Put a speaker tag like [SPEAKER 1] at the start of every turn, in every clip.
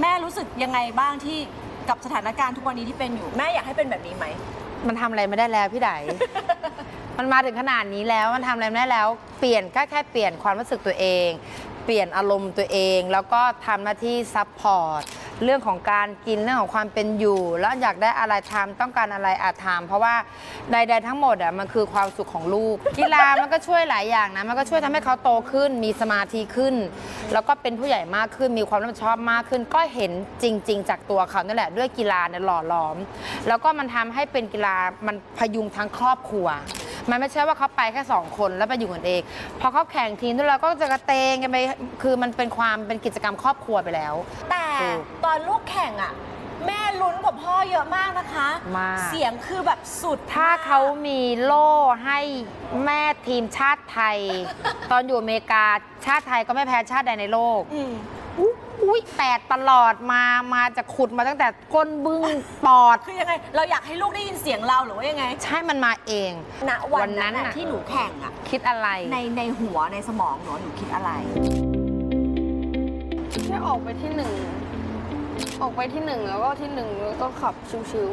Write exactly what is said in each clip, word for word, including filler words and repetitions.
[SPEAKER 1] แม่รู้สึกยังไงบ้างที่กับสถานการณ์ทุกวันนี้ที่เป็นอยู่แม่อยากให้เป็นแบบนี้ไหม
[SPEAKER 2] มันทำอะไรไม่ได้แล้วพี่ได มันมาถึงขนาดนี้แล้วมันทำอะไรไม่ได้แล้วเปลี่ยนแค่แค่เปลี่ยนความรู้สึกตัวเอง เปลี่ยนอารมณ์ตัวเอง แล้วก็ทำหน้าที่ซัพพอร์ตเรื่องของการกินเรื่องของความเป็นอยู่ แล้วอยากได้อะไรทำต้องการอะไรอาจทำเพราะว่าใดๆทั้งหมดอ่ะมันคือความสุขของลูก กีฬามันก็ช่วยหลายอย่างนะมันก็ช่วยทำให้เขาโตขึ้น มีสมาธิขึ้น แล้วก็เป็นผู้ใหญ่มากขึ้น มีความรับผิดชอบมากขึ้น ก็เห็นจริง ๆ จากตัวเขานั่นแหละด้วยกีฬาเนี่ยหล่อหลอม แล้วก็มันทำให้เป็นกีฬามันพยุงทั้งครอบครัวมันไม่ใช่ว่าเขาไปแค่สองคนแล้วไปอยู่กันเองพอเขาแข่งทีมทุกเราก็จะกระเตงกันไปคือมันเป็นความเป็นกิจกรรมครอบครัวไปแล้ว
[SPEAKER 1] แต่ตอนลูกแข่งอ่ะแม่ลุ้นกว่าพ่อเยอะมากนะคะ
[SPEAKER 2] มาก
[SPEAKER 1] เสียงคือแบบสุด
[SPEAKER 2] ถ้าเขามีโล่ให้แม่ทีมชาติไทย ตอนอยู่อเมริกาชาติไทยก็ไม่แพ้ชาติใดในโลกอุ้ยแตกตลอดมามาจะขุดมาตั้งแต่ก้นบึ้งปอด
[SPEAKER 1] คือยังไงเราอยากให้ลูกได้ยินเสียงเราหรือว่ายังไง
[SPEAKER 2] ใช่มันมาเอง
[SPEAKER 1] ณวันนั้นที่หนูแข่งอ่ะ
[SPEAKER 2] คิดอะไร
[SPEAKER 1] ในในหัวในสมองหนูหนูคิดอะไร
[SPEAKER 3] แค่ออกไปที่หนึ่งออกไปที่หนึ่งแล้วก็ที่หนึ่งแล้วก็ขับชิว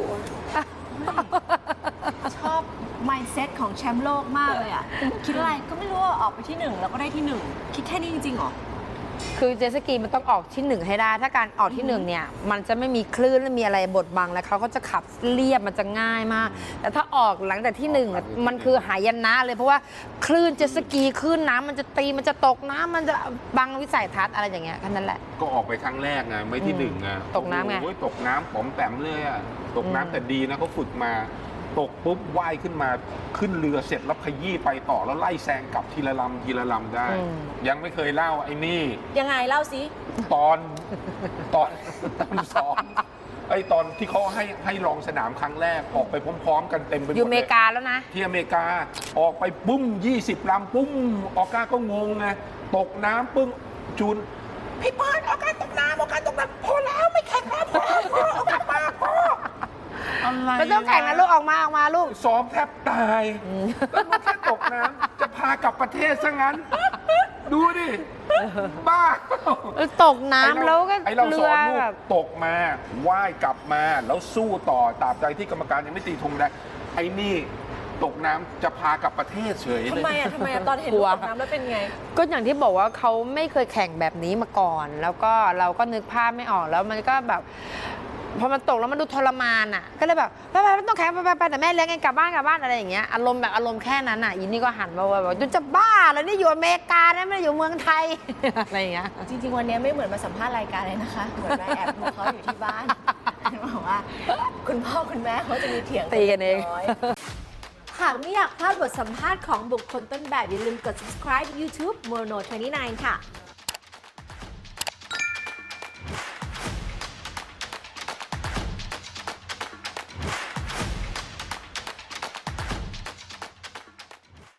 [SPEAKER 1] ๆชอบ mindset ของแชมป์โลกมากเลยอ่ะคิดอะไรก็ไม่รู้ว่าออกไปที่หนึ่งแล้วก็ได้ที่หนึ่งคิดแค่นี้จริงๆหรอ
[SPEAKER 2] คือเจตสกีมันต้องออกที่หนึ่งให้ได้ถ้าการออกที่หนึ่งเนี่ยมันจะไม่มีคลื่นและมีอะไรบดบังแล้วเขาก็จะขับเรียบมันจะง่ายมากแต่ถ้าออกหลังจากที่หนึ่งมันคือหายนะเลยเพราะว่าคลื่นเจตสกีคลื่นน้ำมันจะตีมันจะตกน้ำมันจะบังวิสัยทัศน์อะไรอย่างเงี้ยแค่นั้นแหละ
[SPEAKER 4] ก็ออกไปครั้งแรกไงไม่ที่หนึ่งไง
[SPEAKER 2] ตกน้ำไง
[SPEAKER 4] ตกน้ำผมแต้มเลยอะตกน้ำแต่ดีนะเขาฝึกมาตกปุ๊บว่ายขึ้นมาขึ้นเรือเสร็จแล้วขยี้ไปต่อแล้วไล่แซงกลับทีละลำทีละลำได้ยังไม่เคยเล่าไอ้นี่
[SPEAKER 1] ยังไงเล่าสิ
[SPEAKER 4] ตอนตอนตอนซ้อมไอ้ตอนที่เขาให้ให้ลองสนามครั้งแรกออกไปพร้อมๆกันเต็มไปหมด
[SPEAKER 2] อยู่อเมริกาแล้วนะ
[SPEAKER 4] ที่อเมริกาออกไปปุ้มยี่สิบลำปุ้มออก้าก็งงไงตกน้ำปึ้งจูนพี่เปิ้ลออก้าตกน้ำออก้าตกน้ำพอแล้วไม่แข่งแล้วพอพอออกมาพอ
[SPEAKER 2] ไม่ต้องแข่งนะลูกออกมาออกมาลูก
[SPEAKER 4] ซ้อมแทบตายแล้วมันแค่ตกน้ำจะพากลับประเทศซะงั้นดูดิบ้า
[SPEAKER 2] ตกน้ำแล้วก็
[SPEAKER 4] ไอเราสอนลูกตกมาว่ายกลับมาแล้วสู้ต่อตราบใดที่กรรมการยังไม่ตีธงแดงไอ้นี่ตกน้ำจะพากลับประเทศเฉยเลย
[SPEAKER 1] ทำไมอ่ะทำไมอ่ะตอนเห็นลูกตกน้ำแล้วเป็นไง
[SPEAKER 2] ก็อย่างที่บอกว่าเขาไม่เคยแข่งแบบนี้มาก่อน แล้วก็เราก็นึกภาพไม่ออกแล้วมันก็แบบพอมันตกแล้วมันดูทรมานอ่ะก็เลยแบบไปไปไม่ต้องแข่งไปไปไปแต่แม่เลี้ยงเองกลับบ้านกลับบ้านอะไรอย่างเงี้ยอารมณ์แบบอารมณ์แค่นั้นอ่ะยินนี่ก็หันมาว่าแบบจะบ้าแล้วนี่อยู่อเมริกานะไม่ได้อยู่เมืองไทยอะไรอย่างเงี้ย
[SPEAKER 1] จริงๆวันนี้ไม่เหมือนมาสัมภาษณ์รายการเลยนะคะเหมือนแม่แอบดูเขาอยู่ที่บ้านบอกว่าคุณพ่อคุณแม่เขาจะมีเถียง
[SPEAKER 2] ตีกันเอง
[SPEAKER 1] หากไม่อยากพลาดบทสัมภาษณ์ของบุคคลต้นแบบอย่าลืมกด subscribe YouTube Mono ยี่สิบเก้าค่ะ